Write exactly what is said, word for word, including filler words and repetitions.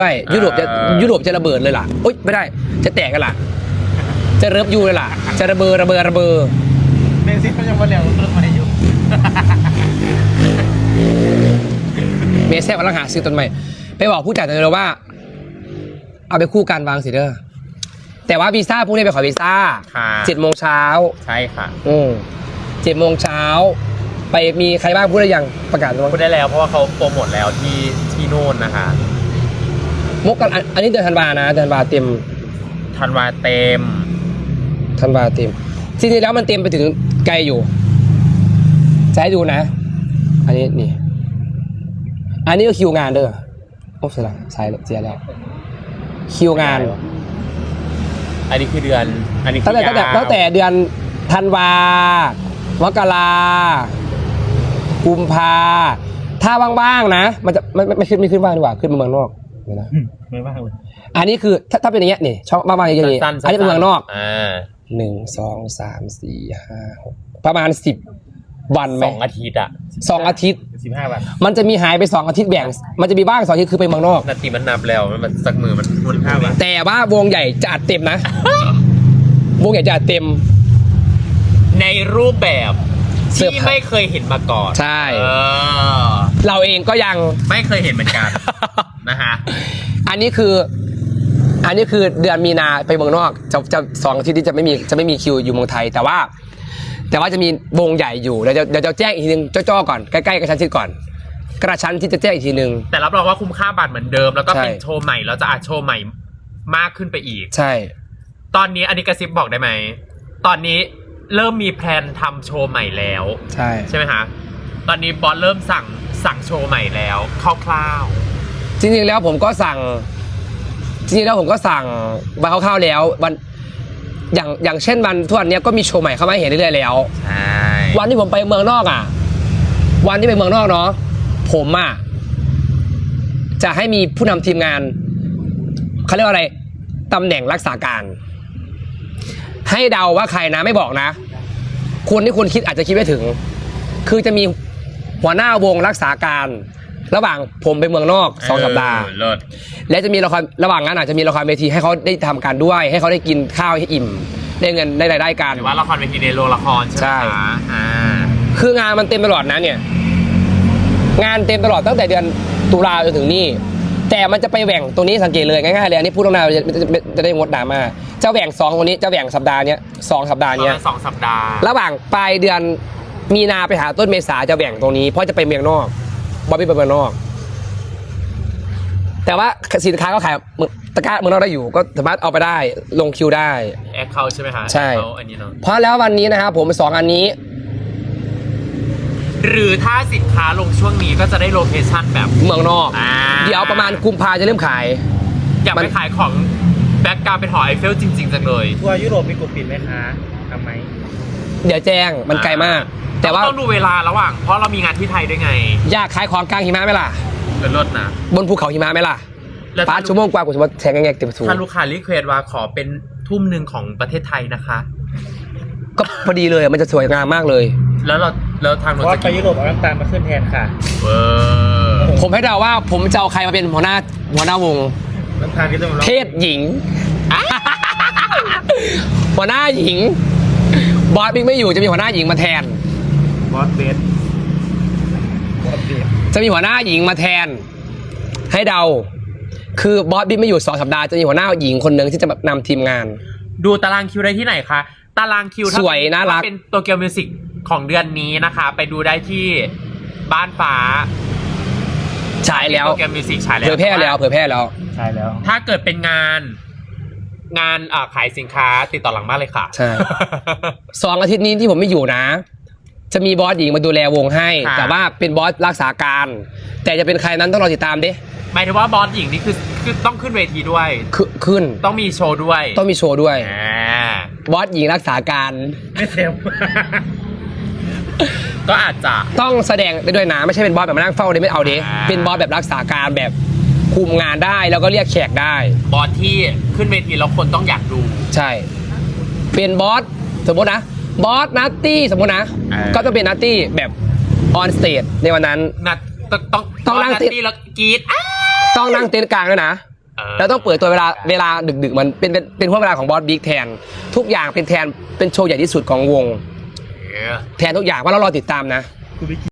ใช่ยุโรปจะยุโรปจะระเบิดเลยล่ะโอ๊ยไม่ได้จะแตกกันล่ะจะเริบยูเลยล่ะจะระเบิดระเบิดระเบิดเมซิเขายังมาเลี้ยงต้นไม้อยู่เมสแซ่บกำลังหาซื้อต้นไม้ไปบอกผู้จัดเลยว่าเอาไปคู่กันวางสิเด้อแต่ว่าวีซ่าพวกนี้ไปขอวีซ่าเจ็ดโมงเช้าใช่ค่ะอืมเจ็ดโมงเช้าไปมีใครบ้างพูดได้ยังประกาศพูดได้แล้วเพราะว่าเขาโปรโมทแล้วที่ที่โน่นนะคะมกกันอันนี้เดือนธันวานะเดือนธันวาเต็มธันวาเต็มธันวาเต็มจริงๆแล้วมันเต็มไปถึงไกลอยู่จะให้ดูนะอันนี้นี่อันนี้ก็คิวงานเด้อโอ้เสียแล้วใช่เสียแล้วคิวงานอันนี้คือเดือนอันนี้ตั้งแต่ตั้งแต่ตั้งแต่เดือนธันวามกรากุมภาถ้าว่างๆนะมันจะไม่ไม่ขึ้นไม่ขึ้นว่างดีกว่าขึ้นมาเมืองนอกเดี๋ยวนะไม่ว่างเลยอันนี้คือถ้าถ้าเป็นอย่างเงี้ยนี่ช่องว่างๆอย่างนี้อันนี้เป็นเมืองนอกอ่าหนึ่งสองสามสี่ห้าหกประมาณสิบวันไหมสองอาทิตย์อ่ะสองอาทิตย์สิบห้าวันมันจะมีหายไปสองอาทิตย์แบ่งมันจะมีบ้างสองอาทิตย์คือไปเมืองนอกนาทีมันนับแล้วมันสักมือมันมันห้าวันแต่ว่าวงใหญ่จะอัดเต็มนะวงใหญ่จะอัดเต็มในรูปแบบที่ไม่เคยเห็นมาก่อนใช่เราเองก็ยังไม่เคยเห็นเหมือนกันนะฮะอันนี้คืออันนี้คือเดือนมีนาไปเมืองนอกจะจะสองอาทิตย์ที่จะไม่มีจะไม่มีคิวอยู่เมืองไทยแต่ว่าแต่ว่าจะมีวงใหญ่อยู่เดี๋ยวจะเดี๋ยวจะแจ้งอีกทีนึงจ้อๆก่อนใกล้ๆกระชั้นชิดก่อนกระชั้นที่จะแจ้งอีกทีนึงแต่รับรองว่าคุ้มค่าบัตรเหมือนเดิมแล้วก็เป็นโชว์ใหม่แล้วจะอาจโชว์ใหม่มากขึ้นไปอีกใช่ตอนนี้อันนี้กระซิบบอกได้ไหมตอนนี้เริ่มมีแพลนทำโชว์ใหม่แล้วใช่ใช่ไหมคะตอนนี้บอสเริ่มสั่งสั่งโชว์ใหม่แล้วคร่าวๆจริงๆแล้วผมก็สั่งจริงๆแล้วผมก็สั่งมาคร่าวๆแล้ววันอย่างอย่างเช่นวันทุกวันนี้ก็มีโชว์ใหม่เข้ามาเห็นเรื่อยๆแล้วใช่วันที่ผมไปเมืองนอกอ่ะวันที่ไปเมืองนอกเนาะผมอ่ะจะให้มีผู้นำทีมงานเขาเรียกว่าอะไรตำแหน่งรักษาการให้เดาว่าใครนะไม่บอกนะคนที่คุณคิดอาจจะคิดไม่ถึงคือจะมีหัวหน้าวงรักษาการระหว่างผมไปเมืองนอกสองสัปดาห์และจะมีละครระหว่างนั้นอาจจะมีละครเวทีให้เขาได้ทำการด้วยให้เขาได้กินข้าวให้อิ่มได้เงินได้รายได้กันหรือว่าละครเวทีในโรงละครใช่ไหมคะอ่าคืองานมันเต็มตลอดนะเนี่ยงานเต็มตลอดตั้งแต่เดือนตุลาจนถึงนี่แต่มันจะไปแหว่งตรงนี้สังเกตเลยง่ายๆเลยอันนี้พูดตรงๆจะจะได้งดดราม่าจะแหว่งสองคนนี้จะแหว่งสัปดาห์นี้สองสัปดาห์นี้สองสัปดาห์ระหว่างปลายเดือนมีนาไปหาต้นเมษาจะแหว่งตรงนี้เพราะจะไปเมืองนอกบอบบี้ไปเมืองนอกแต่ว่าสินค้าก็ขายตะกร้าเมืองนอกได้อยู่ก็สามารถเอาไปได้ลงคิวได้แอคเคาท์ใช่ไหมคะใช่อันนี้เนาะเพราะแล้ววันนี้นะครับผมสองอันนี้หรือถ้าสินค้าลงช่วงนี้ก็จะได้โลเคชั่นแบบเมืองนอกเดี๋ยวประมาณกุมภาจะเริ่มขายอยากไปขายของแบ็กกราวด์เป็นหอไอเฟลจริงๆจังเลยทัวร์ยุโรปมีกลุ่มปิดไหมคะทำไหมเดี๋ยวแจ้งมันไกลมากแต่ว่าต้องดูเวลาระหว่างเพราะเรามีงานที่ไทยด้วยไงอยากขายของกลางหิมะไหมล่ะเป็นรถนะบนภูเขาหิมะไหมล่ะป้าชั่วโมงกว่ากูจะมาแทงแงกเต็มสูงถ้าลูกค้ารีเควสว่าขอเป็นทุ่มหนึ่งของประเทศไทยนะคะก็พอดีเลยมันจะสวยงามมากเลยแล้วเราแล้วทางเราจะไปยุโรปเอาน้ำตาลมาขึ้นแทนค่ะเออผมให้เดาว่าผมจะเอาใครมาเป็นหัวหน้าหัวหน้าวงน้ำตาลที่ต้องเพศหญิงหัวหน้าหญิงบอสบิ๊กไม่อยู่จะมีหัวหน้าหญิงมาแทนบอสเบสบอสเบสจะมีหัวหน้าหญิงมาแทนให้เดาคือบอสบิ๊กไม่อยู่สองสัปดาห์จะมีหัวหน้าหญิงคนหนึ่งที่จะนำทีมงานดูตารางคิวได้ที่ไหนคะตารางคิวสวยน่ารักเป็นโตเกียวมิวสิกของเดือนนี้นะคะไปดูได้ที่บ้านฟ้าฉายแล้วโตเกียวมิวสิกฉายแล้วเผยแพร่แล้วเผยแพร่แล้วใช่แล้วถ้าเกิดเป็นงานงานขายสินค้าติดต่อหลังบ้านเลยค่ะใช่สองอาทิตย์นี้ที่ผมไม่อยู่นะจะมีบอสหญิงมาดูแลวงให้แต่ว่าเป็นบอสรักษาการแต่จะเป็นใครนั้นต้องรอติดตามดิหมายถึงว่าบอสหญิงนี่คือคือต้องขึ้นเวทีด้วยขึ้นต้องมีโชว์ด้วยต้องมีโชว์ด้วยบอสหญิงรักษาการไม่เซลก็อาจจะต้องแสดงได้ด้วยนะไม่ใช่เป็นบอสแบบมานั่งเฝ้าเลยไม่เอาดิเป็นบอสแบบรักษาการแบบคุมงานได้แล้วก็เรียกแขกได้บอสที่ขึ้นเวทีแล้วคนต้องอยากดูใช่เป็นบอสสมมตินะบอสนัตตี้สมมตินะก็ต้องเป็นนัตตี้แบบออนสเตจในวันนั้นนัตต้องต้องต้องนั่งเต็นท์แล้วกรี๊ดต้องนั่งเต็นท์กลางด้วยนะอแล้วต้องเปิดตัวเวลาเวลาดึกๆมันเป็นเป็นเป็นห่วงเวลาของบอสบิ๊กแทน ทุกอย่างเป็นแทนเป็นโชว์ใหญ่ที่สุดของวงเออแทนทุกอย่างว่าเรารอติดตามนะ